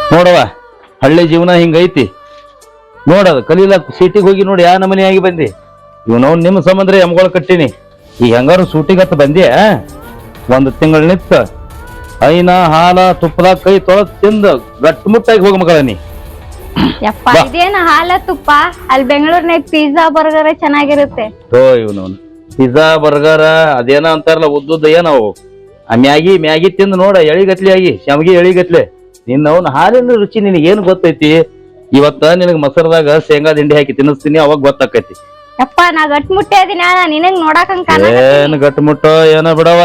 ನೋಡವ ಹಳ್ಳಿ ಜೀವನ ಹಿಂಗೈತಿ. ನೋಡದ ಕಲೀಲಕ್ ಸೀಟಿಗೆ ಹೋಗಿ ನೋಡಿ ಯಾ ನಮನಿ ಆಗಿ ಬಂದಿ. ಇವನವ್ ನಿಮ್ಮ ಸಂಬಂಧ ಎಮ್ಗೊಳ ಕಟ್ಟಿನಿ. ಈಗ ಹೆಂಗಾರು ಸೂಟಿಗತ್ತ ಬಂದ್ಯಾ, ಒಂದು ತಿಂಗಳ ನಿತ್ತ ಐನ ಹಾಲ ತುಪ್ಪದಾಗ ಕೈ ತೊಳೆದ್ ತಿಂದ ಗಟ್ಟುಮುಟ್ಟಾಗಿ ಹೋಗ ಮಗಳ ನೀ. ಯಪ್ಪ ಇದೇನ ಹಾಲ ತುಪ್ಪ, ಅಲ್ಲಿ ಬೆಂಗಳೂರಿನಾಗ ಪಿಜ್ಜಾ ಬರ್ಗರ್ ಚೆನ್ನಾಗಿರುತ್ತೆ. ಇವನವನು ಪಿಜ್ಜಾ ಬರ್ಗರ್ ಅದೇನ ಅಂತಾರಲ್ಲ ಉದ್ದುದ್ದ ಏನವು ಆ ಮ್ಯಾಗಿ ತಿಂದು ನೋಡ ಎಳಿಗತ್ಲಿ ಆಗಿ ಶಾವಿಗೆ ಎಳಿಗತ್ಲೆ. ನಿನ್ನವನ್ ಹಾಲಿನ ರುಚಿ ನಿನಗೆ ಏನ್ ಗೊತ್ತೈತಿ? ಇವತ್ತ ನಿನಗ್ ಮೊಸರದಾಗ ಶೇಂಗಾ ದಿಂಡಿ ಹಾಕಿ ತಿನ್ನಿಸ್ತೀನಿ, ಅವಾಗ ಗೊತ್ತಾಕೈತಿ. ಯಪ್ಪ ನಾ ಗಟ್ ಮುಟ್ಟೆ ಅದೀನಿ, ನಿನಗ್ ನೋಡಾಕಂಗ್ ಏನ್ ಗಟ್ಟು ಮುಟ್ಟೋ ಏನೋ ಬಿಡವ.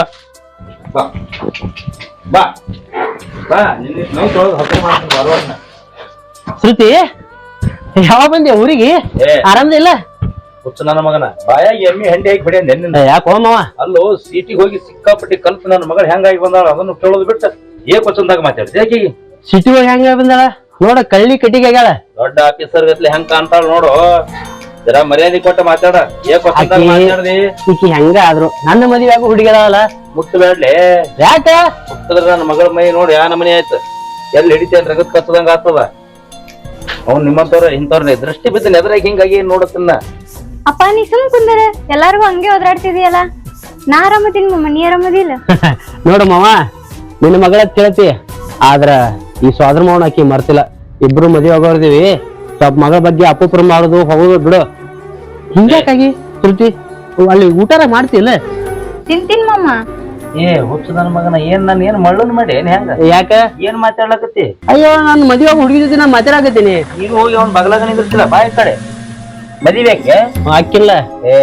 ಶ್ರುತಿ ಯಾವ ಬಂದೆ ಊರಿಗೆ? ಆರಾಮದಿಲ್ಲ? ಹುಚ್ಚು ನನ್ನ ಮಗನ ಬಾಯಾಗಿ ಎಮ್ಮಿ ಹಂಡಿ ಹಾಕಿ ಬಿಡಿ ನೆನ್ನಿಂದ. ಯಾಕೋ ಮಾವ? ಅಲ್ಲೋ ಸೀಟಿಗೆ ಹೋಗಿ ಸಿಕ್ಕಾಪಟ್ಟಿ ಕಲ್ತು ನನ್ನ ಮಗಳು ಹೆಂಗಾಗಿ ಬಂದಾಳ ಅದನ್ನು ಕೇಳೋದು ಬಿಟ್ಟ ಏಕೊಚ್ಚಂದಾಗ ಮಾತಾಡ್ತಿ ಆಕಿಗೆ. ಸಿಟಿ ಒಳಗೆ ಹೆಂಗ ಬಂದಾಳ ನೋಡ, ಕಳ್ಳಿ ಕಟ್ಟಿಗೆ ಆಗ್ಯಾಳ. ದೊಡ್ಡ ಆಫೀಸರ್ ಗತ್ಲೆ ಹೆಂಗ ಕಾಣ್ತಾಳ ನೋಡು. ಜರ ಮರ್ಯಾದೆ ಕೊಟ್ಟ ಮಾತಾಡ. ಏಕೊಚ್ಚಂದಾಗ ಮಾತಾಡ್ದಿ. ಈಕಿ ಹೆಂಗ ಆದ್ರು ನನ್ನ ಮದುವೆ ಆಗೋ ಹುಡುಗಿದಾವಲ್ಲ, ಮುಟ್ಟಬೇಡ್ಲಿ. ಯಾಕ ಮುಟ್ಟದ್ರ ನನ್ನ ಮಗಳ ಮೈ ನೋಡಿ ಯಾ ನಮನಿ ಆಯ್ತು. ಎಲ್ಲಿ ಹಿಡಿತೇನ್ ರಗತ್ ಕತ್ತದಂಗ ಆಗ್ತದ. ಅವ್ನು ನಿಮ್ಮಂತವ್ರ ಇಂಥವ್ರ ದೃಷ್ಟಿ ಬಿದ್ದು ನೆದ್ರಾಗ ಹಿಂಗಾಗಿ ನೋಡತ್ತನ್ನ. ಅಪ್ಪ ನೀ ಸುಮ್ ಕುಂದರ, ಎಲ್ಲಾರ್ಗು ಹಂಗೆ ಓದಾಡ್ತಿದೀಯಲ್ಲ. ನಾ ಆರಾಮದೀನಿ ಮಮ್ಮ, ನೀ ಆರಾಮದಿಲ್ಲ? ನೋಡು ಮಾವ, ನಿನ್ನ ಮಗಳ ಕೇಳ್ತಿ, ಆದ್ರ ಈ ಸೋದರ ಮಾವನ ಆಕಿ ಮರ್ತಿಲ್ಲ. ಇಬ್ರು ಮದುವೆ ಆಗೋರ್ದಿವಿ, ಸ್ವಲ್ಪ ಮಗಳ ಬಗ್ಗೆ ಅಪುಪ್ರ ಮಾಡುದು ಹೋಗೋದು ಬಿಡು. ಹಿಂಗ್ಯಾಕಾಗಿ ಶ್ರುತಿ ಅಲ್ಲಿ ಊಟಾರ ಮಾಡ್ತಿಲ್ಲ? ತಿಂತೀನಿ ಮಮ್ಮ. ಹುಚ್ಚು ನನ್ನ ಮಗನ ಏನ್ ನಾನು ಏನ್ ಮಳ್ಳನ್ ಮಾಡಿ ಏನ್ ಹೆಂಗ ಯಾಕ ಏನ್ ಮಾತಾಡ್ಲಕತ್ತಿ? ಅಯ್ಯೋ ನಾನು ಮದುವೆ ಆಗಿ ಹುಡುಗಿ ಜೊತೆ ನಾ ಮಾತಾಡಕತ್ತೀನಿ. ನೀನು ಹೋಗಿ ಅವ್ನ ಬಗಲಾಗ ನಿಂದಿರ್ತಿಲ್ಲ ಬಾಯಿ ಕಡೆ ಮದಿಬೇಕೆ ಹಾಕಿಲ್ಲ.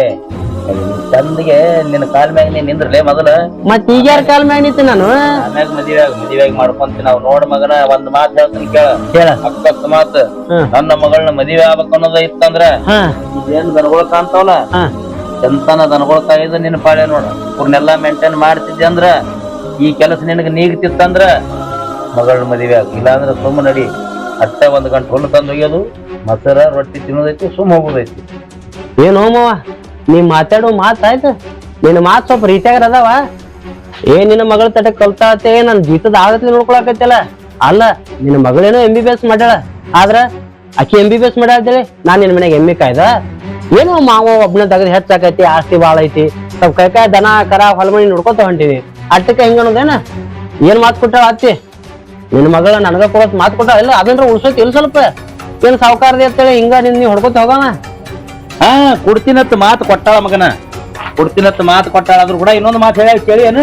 ಚಂದಿಗೆ ನಿನ್ನ ಕಾಲ್ ಮ್ಯಾಗ ನೀನ್ ನಿಂದ್ರಲೇ ಮೊದಲ. ಮತ್ ಈಗ ಯಾರ ಕಾಲ್ ಮ್ಯಾಗ ನಿಂತಿ ನಾನು? ಆಮ್ಯಾಗ ಮದಿವ್ಯಾಗ ಮಾಡ್ಕೊಂತೀನಿ. ನಾವ್ ನೋಡ್ ಮಗನ ಒಂದ್ ಮಾತ್ ಹೇಳ್ತೀನಿ ಕೇಳ. ಅಕ್ಕಕ್ಕ ಮಾತ್, ನನ್ನ ಮಗಳನ್ನ ಮದಿವೆ ಆಗ್ಬೇಕು ಅನ್ನೋದ ಇತ್ತಂದ್ರ ಇದೇನ್ ದನಗೊಳ ಕಾಣ್ತಾವಲ್ಲ, ಎಂತನ ದನಗೊಳ ಕಾಯ್ದು ನಿನ್ನ ಪಾಳೆ ನೋಡ. ಇವ್ರನ್ನೆಲ್ಲಾ ಮೇಂಟೈನ್ ಮಾಡ್ತಿದ್ದೆ ಅಂದ್ರ ಈ ಕೆಲಸ ನಿನಗ ನೀಗ್ತಿತ್ತಂದ್ರ ಮಗಳನ್ನ ಮದಿವೆ ಆಗ. ಇಲ್ಲಾಂದ್ರ ಸುಮ್ಮ ನಡಿ, ಅಟ್ಟೆ 1 ಗಂಟೆ ಹುಲ್ಲು ತಂದು ಒಯ್ಯೋದು, ಮೊಸರ ರೊಟ್ಟಿ ತಿನ್ನೋದೈತಿ, ಸುಮ್ಮ ಹೋಗೋದೈತಿ. ಏನು ಮಾವ ನೀ ಮಾತಾಡೋ ಮಾತಾಯ್ತು, ನಿನ್ನ ಮಾತ್ ಸ್ವಲ್ಪ ರೀತಿಯಾಗ ಅದಾವ. ನಿನ್ನ ಮಗಳ ತಟ ಕಲ್ತಾತೆ ನನ್ ಜೀತದ ಆಗತ್ಲಿ ನೋಡ್ಕೊಳಕತ್ತಲ್ಲ. ಅಲ್ಲ ನಿನ್ನ ಮಗಳೇನೋ MBBS ಮಾಡ್ಯಾಳ, ಆದ್ರ ಆಕಿ MBBS ಮಾಡ್ಯಾಳ್ತೇಳಿ ನಾನ್ ನಿನ್ ಮನೆಗೆ ಎಮ್ಮಿ ಕಾಯ್ದ? ಏನೋ ಮಾವ ಒಬ್ನ ತಗದ್ ಹೆಚ್ಚಾಕೈತಿ, ಆಸ್ತಿ ಬಾಳ ಐತಿ, ಸ್ವಲ್ಪ ಕೈಕಾಯಿ ದನ ಕರ ಹೊಲಮಣಿ ನೋಡ್ಕೊತ ಹೊಂಟಿವಿ, ಅಟ್ಟಕ್ಕೆ ಹೆಂಗ ಅನ್ನೋದೇನ? ಏನ್ ಮಾತ್ ಕೊಟ್ಟಾಳ ಅತ್ತಿ? ನಿನ್ನ ಮಗಳ ನನಗ ಕೊಡೋತ್ ಮಾತ್ ಕೊಟ್ಟಾಳ ಇಲ್ಲ? ಅದನ್ರ ಉಳ್ಸೋತಿ ಇಲ್ಲ ಸ್ವಲ್ಪ? ಏನ್ ಸಾವುಕಾರದಿ ಅಂತೇಳಿ ಹಿಂಗ ನಿನ್ ನೀ ಹೊಡ್ಕೊತ ಹೋಗೋಣ? ಕೊಡ್ತೀನತ್ ಮಾತು ಕೊಟ್ಟಾಳ ಮಗನ, ಕೊಡ್ತೀನತ್ ಮಾತು ಕೊಟ್ಟಾಳ. ಆದ್ರೂ ಕೂಡ ಇನ್ನೊಂದು ಮಾತು ಹೇಳ ಕೇಳಿ ಏನು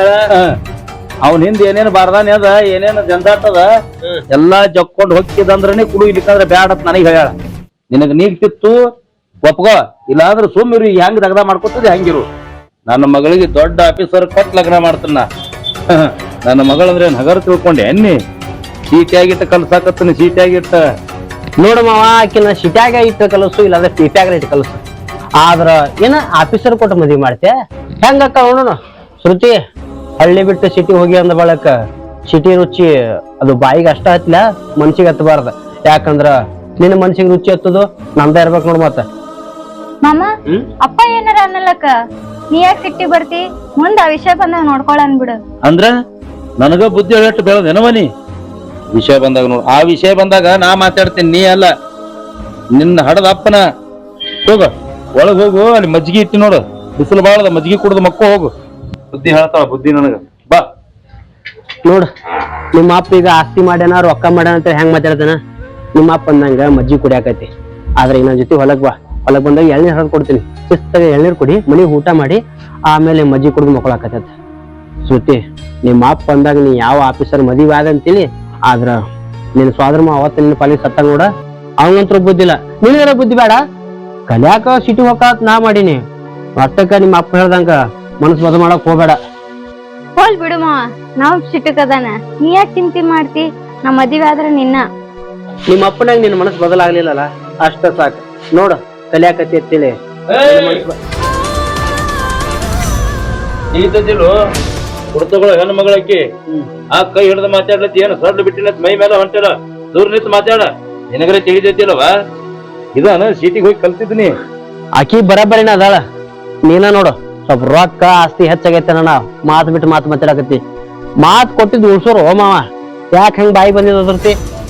ಅವ್ನ ಹಿಂದ ಏನೇನು ಬಾರ್ದಾನೆ ಅದ, ಏನೇನು ಜಂಜಾಟದ ಎಲ್ಲಾ ಜಕ್ಕೊಂಡ್ ಹೋಗ್ತಿದಂದ್ರನೇ ಕುಡು, ಇಲ್ಲಿಕಂದ್ರ ಬ್ಯಾಡತ್ ನನಗ್ ಹೇಳ್ಯಾಳ. ನಿನಗ ನೀಗ್ತಿತ್ತು ಒಪ್ಗೋ, ಇಲ್ಲಾಂದ್ರ ಸುಮ್ಮಿರು. ಹೆಂಗ್ ದಗದ ಮಾಡ್ಕೊತದೆ ಹಂಗಿರು. ನನ್ನ ಮಗಳಿಗೆ ದೊಡ್ಡ ಆಫೀಸರ್ ಕೊಟ್ಟು ಲಗ್ನ ಮಾಡ್ತನ. ನನ್ನ ಮಗಳಂದ್ರೆ ನಗರ ತಿಳ್ಕೊಂಡೆ ಎನ್ನಿ? ಸೀಟಿಯಾಗಿಟ್ಟ ಕಲ್ಸಾಕತ್ತನ, ಸೀಟಿಯಾಗಿಟ್ಟ. ನೋಡು ಮಾವ, ಆಕಿನ ಸಿಟ್ಯಾಗ ಇಟ್ಟು ಕಲಸು, ಇಲ್ಲಾಂದ್ರೆ ಪೀಟ್ಯಾಗ ಇಟ್ಟು ಕಲಸು. ಆದ್ರ ಏನ ಆಫೀಸರ್ ಕೊಟ್ಟು ಮದ್ವಿ ಮಾಡ್ತೆ ಹೆಂಗಕ್ಕ? ನೋಡೋಣ ಶ್ರುತಿ, ಹಳ್ಳಿ ಬಿಟ್ಟು ಸಿಟಿ ಹೋಗಿ ಅಂದ ಬಳಕ ಸಿಟಿ ರುಚಿ ಅದು ಬಾಯಿಗೆ ಅಷ್ಟ ಹತ್ಲ, ಮನ್ಸಿಗೆ ಹತ್ತಬಾರ್ದ. ಯಾಕಂದ್ರ ನಿನ್ನ ಮನ್ಸಿಗೆ ರುಚಿ ಹತ್ತದು ನಮ್ದ ಇರ್ಬೇಕು ನೋಡ್. ಮತ್ತ ಮಾಮ ಅಪ್ಪ ಏನಾರ ಅನ್ನಲಕ್ಕ, ನೀ ಯಾಕೆ ಸಿಟ್ಟಿ ಬರ್ತಿ? ಮುಂದ ಆ ವಿಷಯ ಬಂದಾಗ ನೋಡ್ಕೊಳ ಅನ್ಬಿಡು. ಅಂದ್ರ ನನಗ ಬುದ್ಧಿ ಹೇಳಟ್ಟು ಬೆಳದೇನವನಿ? ವಿಷಯ ಬಂದಾಗ ನೋಡು, ಆ ವಿಷಯ ಬಂದಾಗ ನಾ ಮಾತಾಡ್ತೀನಿ, ನೀ ಅಲ್ಲ. ನಿನ್ನ ಹಡದ ಅಪ್ಪನ ಹೋಗ ಒಳಗ್ ಹೋಗು, ಅಲ್ಲಿ ಮಜ್ಜಿಗೆ ಇಟ್ಟಿ ನೋಡು, ಬಿಸಿಲು ಬಾಳದ, ಮಜ್ಜಿಗೆ ಕುಡ್ದು ಮಕ್ಕೋ ಹೋಗು. ಬುದ್ಧಿ ಹೇಳ್ತಾಳ ಬುದ್ಧಿ ನನಗ. ಬಾ ನೋಡು, ನಿಮ್ಮ ಅಪ್ಪ ಈಗ ಆಸ್ತಿ ಮಾಡ್ಯಾನ, ರೊಕ್ಕ ಮಾಡ್ಯಾನ ಅಂತ ಹೆಂಗ್ ಮಾತಾಡ್ತಾನ? ನಿಮ್ಮ ಅಪ್ಪ ಅಂದಂಗ ಮಜ್ಜಿಗೆ ಕುಡಿಯಾಕೈತಿ, ಆದ್ರೆ ಇನ್ನೊಂದ್ ಜೊತೆ ಹೊಲಕ್ ಬಾ. ಹೊಲಕ್ ಬಂದಾಗ ಎಳ್ನೀರ್ ಹರಿದು ಕೊಡ್ತೀನಿ, ಶಿಸ್ತಾಗ ಎಳ್ನೀರ್ ಕುಡಿ, ಮನಿಗೆ ಊಟ ಮಾಡಿ ಆಮೇಲೆ ಮಜ್ಜಿಗೆ ಕುಡ್ದು ಮಕ್ಕಳಾಕತ್ತ. ಶ್ರುತಿ, ನಿಮ್ಮ ಅಪ್ಪ ಅಂದಾಗ ನೀ ಯಾವ ಆಫೀಸರ್ ಮದುವೆ ಆದ ಅಂತೇಳಿ, ಆದ್ರ ನಿನ್ ಸ್ವಾದ್ರ ಅವತ್ತ ನಿನ್ನ ಪಾಲಿಗೆ ಸತ್ತ ನೋಡ, ಅವಂಗಂತ್ರ ಬುದ್ಧಿಲ್ಲ. ನಿನಗರ ಬುದ್ಧಿ ಬೇಡ? ಕಲ್ಯಾಕ ಸಿಟಿ ಹೋಗಾತ್ ನಾ ಮಾಡೀನಿ, ಅಷ್ಟಕ್ಕ ನಿಮ್ಮ ಅಪ್ಪ ಹೇಳ್ದಂಗ ಮನಸ್ ಬದ ಮಾಡಕ್ ಹೋಗ್ಬೇಡ. ಹೋಲ್ ಬಿಡು ಮಾವ, ನಾವ್ ಸಿಟ್ಟಕ್ಕದಾನ, ನೀ ಯಾಕೆ ಚಿಂತೆ ಮಾಡ್ತಿ? ನಾ ಮದ್ವೆ ಆದ್ರ ನಿನ್ನ. ನಿಮ್ಮ ಅಪ್ಪನಾಗ ನಿನ್ನ ಮನಸ್ ಬದಲಾಗ್ಲಿಲ್ಲಲ್ಲ, ಅಷ್ಟ ಸಾಕ. ನೋಡ ಕಲ್ಯಾಕತಿ ಅಂತೇಳಿ ಕುಡ್ತಗಳು ಹೆಣ್ಣು ಮಗಳಕ್ಕಿ ಆ ಕೈ ಹಿಡ್ದು ಮಾತಾಡ್ಲತ್ತಿ, ಏನು ಸಡ್ಲು ಬಿಟ್ಟಿನ ಮೈ ಮೇಲೆ ಹೊಂಟಿಲ್ಲ, ದೂರ ನಿಂತು ಮಾತಾಡ. ನಿನಗರೆ ತಿಳಿದೈತಿಲ್ಲವ? ಇದಾನ ಸೀಟಿಗೆ ಹೋಗಿ ಕಲ್ತಿದ್ನಿ. ಆಕಿ ಬರಬರಿನ ಅದಾಳ, ನೀನ ನೋಡು ಸ್ವಲ್ಪ ರೊಕ್ಕ ಆಸ್ತಿ ಹೆಚ್ಚಾಗೈತೆ ಅಣ್ಣ, ಮಾತು ಬಿಟ್ಟು ಮಾತು ಮಾತಾಡಕತ್ತಿ. ಮಾತು ಕೊಟ್ಟಿದ್ದು ಉಳ್ಸೋರು ಮಾವ, ಯಾಕೆ ಹೆಂಗ್ ಬಾಯಿ ಬಂದಿದ್ತಿ?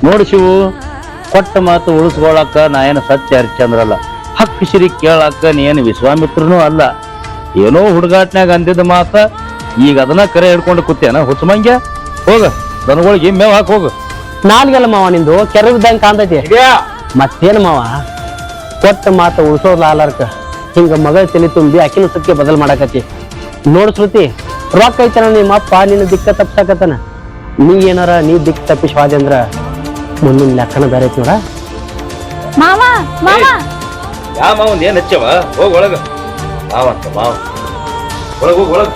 ನೋಡು ಶಿವು, ಕೊಟ್ಟ ಮಾತು ಉಳಿಸ್ಕೊಳಕ್ಕ ನಾ ಏನು ಸತ್ಯ ಹರಿಶ್ಚಂದ್ರಲ್ಲ. ಹಕ್ಕು ಸಿರಿ ಕೇಳಾಕ ನೀ ಏನು ವಿಶ್ವಾಮಿತ್ರನೂ ಅಲ್ಲ. ಏನೋ ಹುಡುಗಾಟ್ನ್ಯಾಗ ಅಂದಿದ್ದ ಮಾತ ಈಗ ಅದನ್ನ ಕರೆ ಹಿಡ್ಕೊಂಡು ಕೂತೇನ ಹುಚ್ಚಮಂಗ್ಯ. ಹೋಗ ದನಗಳಿಗೆ ಮೇವ್ ಹಾಕಿ ಹೋಗು. ನಾಲ್ಗೆಲ್ಲ ಮಾವ ನಿಂದು ಕೆರವಿದ್ದಂಗ ಕಾಣ್ತೈತಿ. ಮತ್ತೇನು ಮಾವ, ಕೊಟ್ಟ ಮಾತು ಉಳಿಸೋದ್ಲಾರ್ಕ ಹಿಂಗ ಮಗಳ ತಲೆ ತುಂಬಿ ಅಕ್ಕಿನ ಸತ್ಯ ಬದಲ್ ಮಾಡಾಕತಿ. ನೋಡ್ ಶ್ರುತಿ, ರೊಕ್ಕ ಐತನ ನಿಮ್ಮ ಅಪ್ಪ ನಿನ್ನ ದಿಕ್ಕ ತಪ್ಸಾಕತ್ತನ. ನೀ ಏನಾರ ನೀ ದಿಕ್ ತಪ್ಪಿಸ್ವಾದೆ ಅಂದ್ರ ಮುಂದಿನ ಲೆಕ್ಕನ ಬೇರೆ ಐತಿ ನೋಡ. ಮಾವ ಮಾವ ಯಾ ಮಾವನ್ ಏನ್ ಹಚ್ಚವ? ಹೋಗ್ ಒಳಗ. ಮಾವಂತ ಮಾವ ಒಳಗ ಹೋಗ್ ಒಳಗ.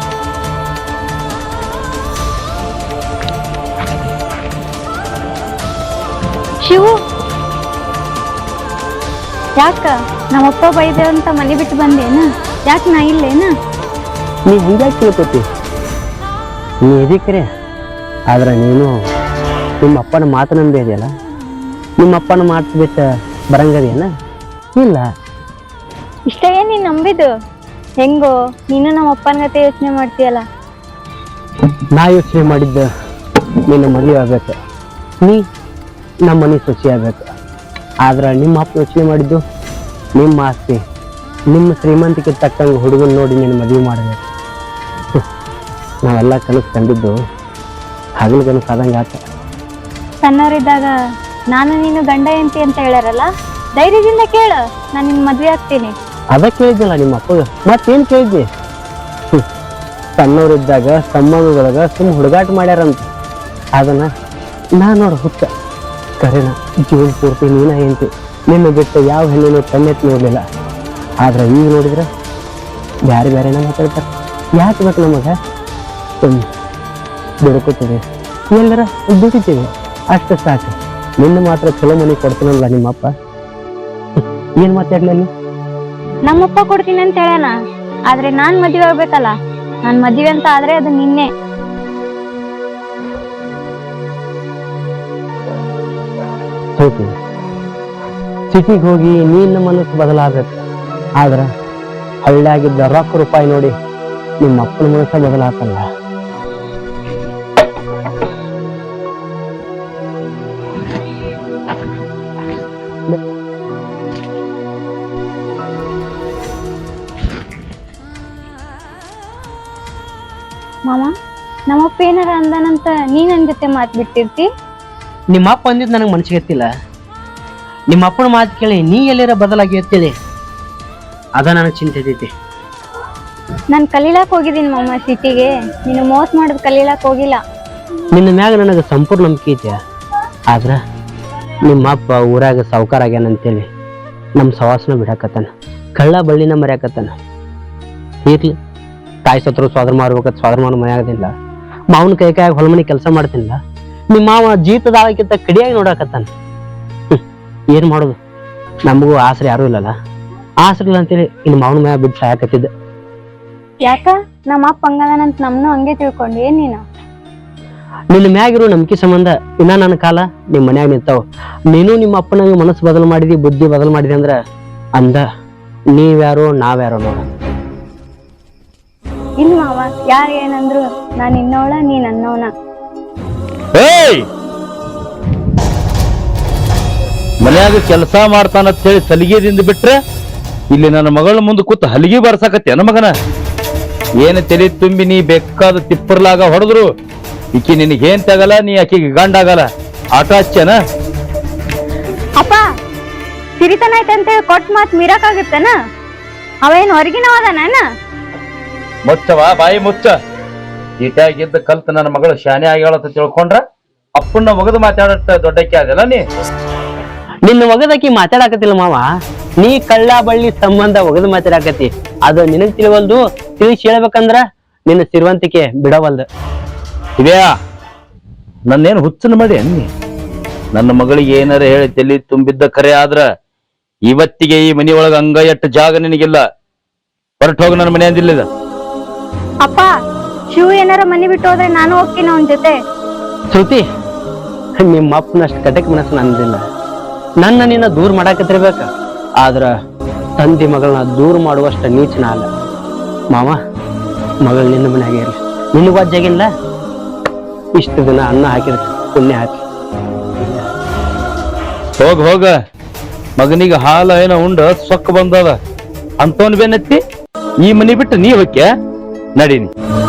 ಶಿವು, ಯಾಕ ನಮ್ಮಪ್ಪ ಬೈದೇವ ಅಂತ ಮನೆ ಬಿಟ್ಟು ಬಂದೇನ? ಯಾಕೆ ನಾ ಇಲ್ಲೇನ? ನೀ ಹಿಂಗ್ಯಾಕೆ ತಿಳ್ಕೊತಿ? ನೀ ಇದಕ್ಕರೆ ಆದ್ರೆ ನೀನು ನಿಮ್ಮ ಅಪ್ಪನ ಮಾತು ನಂಬಿ ಇದೆಯಲ್ಲ. ನಿಮ್ಮ ಅಪ್ಪನ ಮಾತು ಬಿಟ್ಟ ಬರಂಗದೇನ? ಇಲ್ಲ. ಇಷ್ಟ ಏನ್ ನೀನ್ ನಂಬಿದ್ದು? ಹೆಂಗೋ ನೀನು ನಮ್ಮ ಅಪ್ಪನ ಗತೆ ಯೋಚನೆ ಮಾಡ್ತೀಯಲ್ಲ. ನಾ ಯೋಚನೆ ಮಾಡಿದ್ದ ನಿನ್ನ ಮದುವೆ ಆಗ್ಬೇಕು, ನೀ ನಮ್ಮ ಮನೆ ಸೊಸಿ ಆಗ್ಬೇಕು. ಆದ್ರೆ ನಿಮ್ಮ ಅಪ್ಪ ಯೋಚನೆ ಮಾಡಿದ್ದು ನಿಮ್ಮ ಆಸ್ತಿ, ನಿಮ್ಮ ಶ್ರೀಮಂತಿಕೆ ತಕ್ಕಂಗೆ ಹುಡುಗನ ನೋಡಿ ನೀನು ಮದುವೆ ಮಾಡಬೇಕು. ನಾವೆಲ್ಲ ಕನಸು ಕಂಡಿದ್ದು ಹಗಲು ಕನಸು ಆದಂಗೆ ಆತ. ಸಣ್ಣವರಿದ್ದಾಗ ನಾನು ನೀನು ಗಂಡ ಎಂತಿ ಅಂತ ಹೇಳ್ಯಾರಲ್ಲ, ಧೈರ್ಯದಿಂದ ಕೇಳು, ನಾನು ನಿನ್ ಮದ್ವೆ ಆಗ್ತೀನಿ. ಅದ ಕೇಳಿದ್ನಲ್ಲ ನಿಮ್ಮ ಅಪ್ಪಗ, ಮತ್ತೇನು ಕೇಳಿದ್ನಿ? ಸಣ್ಣವರಿದ್ದಾಗ ಸಂಬಂಧದೊಳಗ ಸುಮ್ಮ ಹುಡುಗಾಟ ಮಾಡ್ಯಾರಂತ. ಅದನ್ನ ನಾ ನೋಡು ಹುಚ್ಚ ಕರೆನ ಜೀವನ ಪೂರ್ತಿ ನೀನ ಎಂತಿ, ನಿನ್ನ ಬಿಟ್ಟು ಯಾವ ಹೆಣ್ಣಿನ ಕಣ್ಣೆತ್ತಿ ನೋಡ್ಲಿಲ್ಲ. ಆದ್ರೆ ಈಗ ನೋಡಿದ್ರೆ ಬ್ಯಾರೆ ಬ್ಯಾರೆನ ಮಾತಾಡ್ತಾರೆ. ಯಾಕೆ ಬೇಕು ನಮಗ? ದುಡ್ಕೋತೀವಿ, ಎಲ್ಲರ ದುಡಿತೀವಿ, ಅಷ್ಟು ಸಾಕು. ನಿನ್ನ ಮಾತ್ರ ಚಲೋ ಮನೆ ಕೊಡ್ತೀನಲ್ಲ ನಿಮ್ಮಪ್ಪ. ಏನ್ ಮಾತಾಡ್ಲಿ? ನಮ್ಮಪ್ಪ ಕೊಡ್ತೀನಿ ಅಂತ ಹೇಳೋಣ, ಆದ್ರೆ ನಾನ್ ಮದ್ವೆ ಆಗ್ಬೇಕಲ್ಲ. ನಾನ್ ಮದ್ವೆ ಅಂತ ಆದ್ರೆ ಅದು ನಿನ್ನೆ. ಸಿಟಿಗೆ ಹೋಗಿ ನಿನ್ನ ಮನಸ್ಸು ಬದಲಾಗಬೇಕು. ಆದ್ರ ಹಳ್ಳಿಯಾಗಿದ್ದ ರೊಕ್ಕ ರೂಪಾಯಿ ನೋಡಿ ನಿಮ್ಮ ಅಪ್ಪನ ಮನಸ್ಸ ಬದಲಾತಲ್ಲ. ಮಾಮ, ನಮ್ಮಪ್ಪ ಏನಾರ ಅಂದಾನಂತ ನೀ ನನ್ ಜೊತೆ ಮಾತ್ ಬಿಟ್ಟಿರ್ತಿ? ನಿಮ್ಮ ಅಪ್ಪ ಅಂದಿದ್ ನನಗೆ ಮನಸ್ಸಿಗೆ ಎತ್ತಿಲ್ಲ. ನಿಮ್ಮ ಅಪ್ಪನ ಮಾತು ಕೇಳಿ ನೀ ಎಲ್ಲರ ಬದಲಾಗಿ ಎತ್ತಿದೆ, ಅದ ನನಗೆ ಚಿಂತೆ ಐತಿ. ನಾನ್ ಕಲೀಲಾಕ್ ಹೋಗಿದ್ದೀನಿ ಮಾಮ ಸಿಟಿಗೆ, ನೀನು ಮೋಸ ಮಾಡೋದ್ ಕಲೀಲಾಕ್ ಹೋಗಿಲ್ಲ. ನಿನ್ನ ಮ್ಯಾಗ ನನಗೆ ಸಂಪೂರ್ಣ ನಂಬಿಕೆ ಐತೆ. ಆದ್ರ ನಿಮ್ಮ ಅಪ್ಪ ಊರಾಗ ಸಾವುಕಾರ ಆಗ್ಯಾನಂತೇಳಿ ನಮ್ಮ ಸವಾಸನ ಬಿಡಾಕತ್ತಾನ, ಕಳ್ಳ ಬಳ್ಳಿನ ಮರ್ಯಾಕತ್ತಾನ. ಇರ್ಲಿ, ತಾಯಿ ಸತ್ರು ಸ್ವಾದ್ರ ಮಾಡ್ಬೇಕತ್ ಸ್ವಾದ್ರ ಮಾಡೋ ಮನೆಯಾಗದಿಲ್ಲ. ಮಾವನ ಕೈ ಹೊಲಮನಿ ಕೆಲಸ ಮಾಡ್ತಿಲ್ಲ. ನಿಮ್ಮ ಮಾವ ಜೀತದ ಆಳಕ್ಕಿಂತ ಕಡಿಯಾಗಿ ನೋಡಾಕತ್ತಾನ. ಏನ್ ಮಾಡೋದು? ನಮಗೂ ಆಸರೆ ಯಾರು ಇಲ್ಲಲ್ಲ. ಆಸರೆ ಇಲ್ಲ ಅಂತೇಳಿ ಇನ್ನು ಮಾವನ ಮಯ ಬಿಟ್ಟು ಸಾಯಕತ್ತಿದ್ದ. ಯಾಕ ನಮ್ಮ ಅಪ್ಪ ಹಂಗದಾನಂತ ನಮ್ನು ಹಂಗೆ ತಿಳ್ಕೊಂಡಿ ಏನ್ ನೀನು? ನಿನ್ನ ಮ್ಯಾಗಿರೋ ನಂಬಿಕೆ ಸಂಬಂಧ ಇನ್ನ ನನ್ನ ಕಾಲ ನಿಮ್ ಮನ್ಯಾಗ ನಿಂತಾವ. ನೀನು ನಿಮ್ಮ ಅಪ್ಪನಾಗ ಮನಸ್ಸು ಬದಲು ಮಾಡಿದಿ, ಬುದ್ಧಿ ಬದಲು ಮಾಡಿದಿ ಅಂದ್ರ ಅಂದ ನೀವ್ಯಾರೋ ನಾವ್ಯಾರೋ ನೋಡ. ಇಲ್ಲ ಮಾವ, ಯಾರ ಏನಂದ್ರು ನಾನ್ ಇನ್ನವಳ, ನೀ ನನ್ನವನ. ಮನ್ಯಾಗ ಕೆಲಸ ಮಾಡ್ತಾನಂತೇಳಿ ಸಲಿಗೆದಿಂದ ಬಿಟ್ರೆ ಇಲ್ಲಿ ನನ್ನ ಮಗಳ ಮುಂದೆ ಕೂತು ಹಲಿಗೆ ಬರ್ಸಾಕತ್ತೇನ ಮಗನ? ಏನು ತಲೆ ತುಂಬಿ ನೀ ಬೇಕಾದ ತಿಪ್ಪರ್ಲಾಗ ಹೊಡೆದ್ರು ಈಕಿ ನಿನಗೇನ್ ತಗಲ್ಲ, ನೀ ಆಕಿಗೆ ಗಂಡ ಆಗಲ್ಲ. ಆಟ ಹಚ್ಚೇನ? ಅಪ್ಪ, ಸಿರಿತನ ಐತಂತ ಕೊಟ್ ಮಾತ್ ಮೀರಕಾಗತ್ತೇನ? ಅವೇನ್ ಹೊರಗಿನವದಾನ? ಮುಚ್ಚವ ಬಾಯಿ ಮುಚ್ಚ. ಈಟಾಗಿದ್ದ ಕಲ್ತ ನನ್ನ ಮಗಳು ಶಾನೆ ಆಗ್ಯಾಳಂತ ತಿಳ್ಕೊಂಡ್ರ ಅಪ್ಪನ್ನ ಒಗದು ಮಾತಾಡತ್ತ ದೊಡ್ಡಕ್ಕೆ ಅದಲ್ಲ ನೀ. ನಿನ್ನ ಒಗದಕ್ಕಿ ಮಾತಾಡಕತ್ತಿಲ್ಲ ಮಾವ, ನೀ ಕಳ್ಳ ಬಳ್ಳಿ ಸಂಬಂಧ ಒಗದು ಮಾತಾಡಕತ್ತಿ. ಅದು ನಿನಗ್ ತಿಳಿವಲ್ದು. ತಿಳಿಸಿ ಹೇಳ್ಬೇಕಂದ್ರ ನಿನ್ನ ಸಿರಿವಂತಿಕೆ ಬಿಡವಲ್ದು. ಇವ್ಯಾ, ನನ್ನೇನು ಹುಚ್ಚನ ಮಾಡಿ ಅನ್ನಿ? ನನ್ನ ಮಗಳಿಗೆ ಏನಾರ ಹೇಳಿ ತಲೆ ತುಂಬಿದ್ದ ಕರೆ ಆದ್ರ ಇವತ್ತಿಗೆ ಈ ಮನೆಯೊಳಗ ಅಂಗ ಎಟ್ಟು ಜಾಗ ನಿನಗಿಲ್ಲ. ಹೊರಟು ಹೋಗ ನನ್ನ ಮನೆ ಅಂದಿಲ್ಲ. ಅಪ್ಪ, ಶಿವ ಏನಾರ ಮನಿ ಬಿಟ್ಟು ಹೋದ್ರೆ ನಾನು ಹೋಗ್ತೀನಿ ಅವನ ಜೊತೆ. ಶ್ರುತಿ, ನಿಮ್ಮ ಅಪ್ಪನಷ್ಟು ಕಟಕ್ ಮನಸ್ಸು ನಂದಿಲ್ಲ. ನನ್ನ ನಿನ್ನ ದೂರ ಮಾಡಾಕತ್ತಿರ್ಬೇಕ, ಆದ್ರ ತಂದಿ ಮಗಳನ್ನ ದೂರ ಮಾಡುವಷ್ಟ ನೀಚನ ಅಲ್ಲ. ಮಾವ, ಮಗಳು ನಿನ್ನ ಮನೆಯಾಗ ಇರ್ಲಿ, ನಿನಗೂ ಅಜ್ಜಾಗಿಲ್ಲ. ಇಷ್ಟು ದಿನ ಅನ್ನ ಹಾಕಿದ್ರೆ ಪುಣ್ಯ ಹಾಕಿ. ಹೋಗ ಮಗನಿಗೆ ಹಾಲ ಏನೋ ಉಂಡ ಸೊಕ್ಕ ಬಂದದ ಅಂತವನ್ ಬೆನ್ನತ್ತಿ ಈ ಮನಿ ಬಿಟ್ಟು ನೀ ಹೋಗ್ಯ ನಡೀನಿ.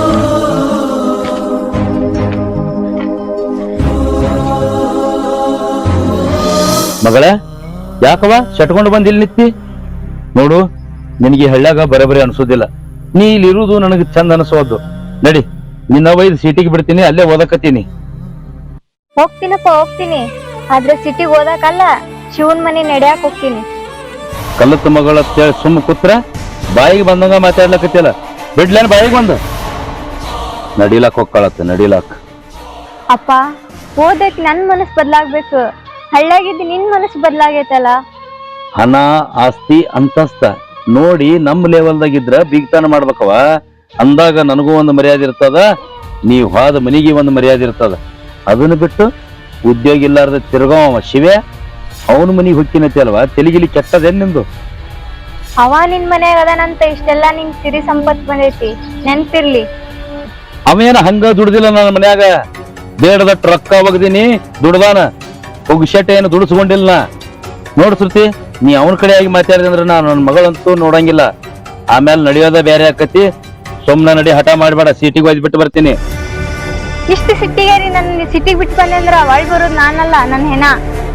ಮಗಳ ಯಾಕವ ಶಟ್ಕೊಂಡು ಬಂದ್ ಇಲ್ಲಿ ನಿತ್ತಿ? ನೋಡು ನಿನಗೆ ಹಳ್ಳ್ಯಾಗ ಬರಬರಿ ಅನ್ಸೋದಿಲ್ಲ. ನೀ ಇಲ್ಲಿ ಇರುವುದು ನನಗೆ ಚಂದ ಅನಿಸೋದು. ನಡಿ, ನಿನ್ನ ಒಯ್ದು ಸೀಟಿಗೆ ಬಿಡ್ತೀನಿ, ಅಲ್ಲೇ ಓದಕತ್ತೀನಿ. ಹೋಗ್ತೀನಪ್ಪ ಹೋಗ್ತೀನಿ, ಆದ್ರೆ ಸಿಟಿಗೆ ಓದಕ್ಕಲ್ಲ, ಶಿವನ್ ಮನಿ ನಡ್ಯಾಕ್ ಹೋಗ್ತೀನಿ. ಕಲ್ಲತ್ತ ಮಗಳ ಸುಮ್ಮ ಕೂತ್ರ ಬಾಯಿಗೆ ಬಂದಂಗ ಮಾತಾಡ್ಲಕತ್ತಿಲ್ಲ. ಬಿಡ್ಲೇನ್ ಬಾಯಿಗೆ ಬಂದು ನಡಿಲಾಕ್ ಹೋಗ್ಕಳತ್ತ. ನಡಿಲಾಕ್ ಅಪ್ಪ, ಓದಕ್ ನನ್ ಮನಸ್ ಬದ್ಲಾಗ್ಬೇಕು. ಹಳ್ಳಾಗಿದ್ದು ನಿನ್ ಮನಸ್ ಬದ್ಲಾಗೈತಲ್ಲ. ಹಣ, ಆಸ್ತಿ, ಅಂತಸ್ತ ನೋಡಿ ನಮ್ಮ ಲೆವೆಲ್ದಾಗಿದ್ರ ಬೀಗ್ತಾನ ಮಾಡ್ಬೇಕವ. ಅಂದಾಗ ನನಗೂ ಒಂದು ಮರ್ಯಾದೆ ಇರ್ತದ, ನೀವ್ ಹೋದ ಮನಿಗೆ ಒಂದು ಮರ್ಯಾದೆ ಇರ್ತದ. ಅದನ್ನ ಬಿಟ್ಟು ಉದ್ಯೋಗ ಇಲ್ಲಾರ್ದ ತಿರ್ಗವ ಶಿವೆ ಅವನ ಮನಿಗೆ ಹೊಕ್ಕಿನತಿ ಅಲ್ವಾ? ತೆಲಿಗಿಲಿ ಕೆಟ್ಟದೇನ್ ನಿಂದು? ಅವ ನಿನ್ ಮನ್ಯಾಗ ಅದನಂತ ಇಷ್ಟೆಲ್ಲಾ ನಿಂಗ್ ಸಿರಿ ಸಂಪತ್ ಬಂದೈತಿ, ನೆನ್ಪಿರ್ಲಿ. ಅವೇನ ಹಂಗ ದುಡ್ದಿಲ್ಲ ನನ್ನ ಮನ್ಯಾಗ. ಬೇಡದಟ್ಟು ರೊಕ್ಕ ಒಗದೀನಿ, ದುಡ್ದಾನ. ಒಗ್ಶೆಟ್ ಏನು ದುಡಿಸ್ಕೊಂಡಿಲ್ಲ. ನೋಡ್ ಶ್ರುತಿ, ನೀ ಅವನ ಕಡೆ ಆಗಿ ಮಾತಾಡಿದೆ ಅಂದ್ರೆ ನಾನು ನನ್ನ ಮಗಳಂತೂ ನೋಡಂಗಿಲ್ಲ. ಆಮೇಲೆ ನಡೆಯೋದ ಬೇರೆ ಆಕತಿ. ಸುಮ್ನ ನಡಿ, ಹಠ ಮಾಡ್ಬೇಡ. ಸೀಟಿಗೆ ಒಯ್ದು ಬಿಟ್ಟು ಬರ್ತೀನಿ. ಇಷ್ಟು ಸಿಟ್ಟಿಗೇರಿ ನನ್ನ ಸಿಟಿಗೆ ಬಿಟ್ಟು ಬಂದೆ ಅಂದ್ರ ಒಳ್ ಬರೋದ್ ನಾನಲ್ಲ, ನನ್ ಹೆಣ.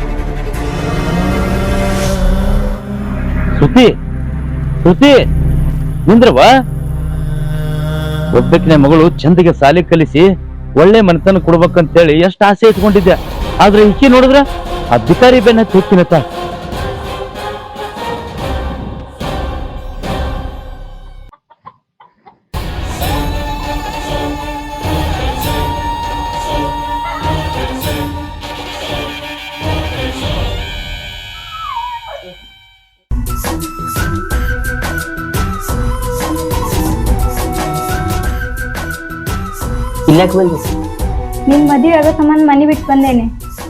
ಶ್ರುತಿ, ಶ್ರುತಿ ನಿಂದ್ರವಾ. ಒಬ್ಬಕಿನ ಮಗಳು ಚಂದಿಗೆ ಸಾಲಿ ಕಲಿಸಿ ಒಳ್ಳೆ ಮನೆತನ ಕೊಡ್ಬೇಕಂತೇಳಿ ಎಷ್ಟು ಆಸೆ ಇಟ್ಕೊಂಡಿದ್ದೆ. ಆದ್ರೆ ಈಕಿ ನೋಡಿದ್ರ ಅಧಿಕಾರಿ ಬೆನ್ನ ಹೋಗ್ತೀನತ್ತ. ಇಲ್ಲಾಕ್ ಬಂದಿ? ನಿನ್ ಮದ್ವೆ ಆಗೋ ಸಂಬಂಧ ಮನಿ ಬಿಟ್ಟು ಬಂದೇನೆ.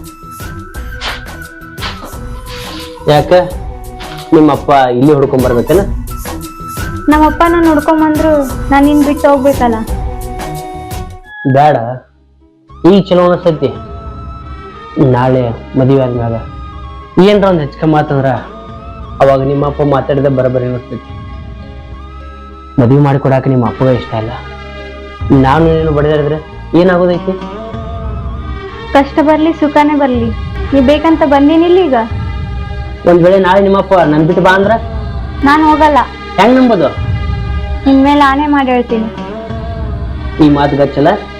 ಯಾಕ ನಿಮ್ಮಪ್ಪ ಇಲ್ಲಿ ಹುಡ್ಕೊಂಡ್ ಬರ್ಬೇಕೇನ? ನಮ್ಮಪ್ಪ ನಾನು ನೋಡ್ಕೊಂಬಂದ್ರು ನಾನ್ ನಿನ್ ಬಿಟ್ಟು ಹೋಗ್ಬೇಕಲ್ಲ. ಬೇಡ, ಈಗ ಚಲೋ ಅನಸ್ತೈತಿ. ನಾಳೆ ಮದುವೆ ಆದ್ಮ್ಯಾಗ ಏನ್ರ ಒಂದ್ ಹೆಚ್ಕ ಮಾತಂದ್ರ ಅವಾಗ ನಿಮ್ಮಪ್ಪ ಮಾತಾಡಿದ ಬರಬರಿ ಅನಿಸ್ತೈತಿ. ಮದುವೆ ಮಾಡಿಕೊಡಾಕ ನಿಮ್ಮ ಅಪ್ಪಗ ಇಷ್ಟ ಇಲ್ಲ. ನಾನು ನೀನು ಬಡಿದಾಡಿದ್ರೆ ಏನಾಗೋದೈತಿ? ಕಷ್ಟ ಬರ್ಲಿ ಸುಖನೇ ಬರ್ಲಿ, ನೀ ಬೇಕಂತ ಬಂದೀನಿಲ್ಲ. ಈಗ ಒಂದ್ ವೇಳೆ ನಾಳೆ ನಿಮ್ಮಪ್ಪ ನನ್ ಬಿಟ್ಟು ಬಾ ಅಂದ್ರ ನಾನ್ ಹೋಗಲ್ಲ. ಹೆಂಗ್ ನಂಬೋದು? ನಿನ್ ಮೇಲೆ ಆನೆ ಮಾಡಿ ಹೇಳ್ತೀನಿ. ಈ ಮಾತು ಗಚ್ಚಲ್ಲ.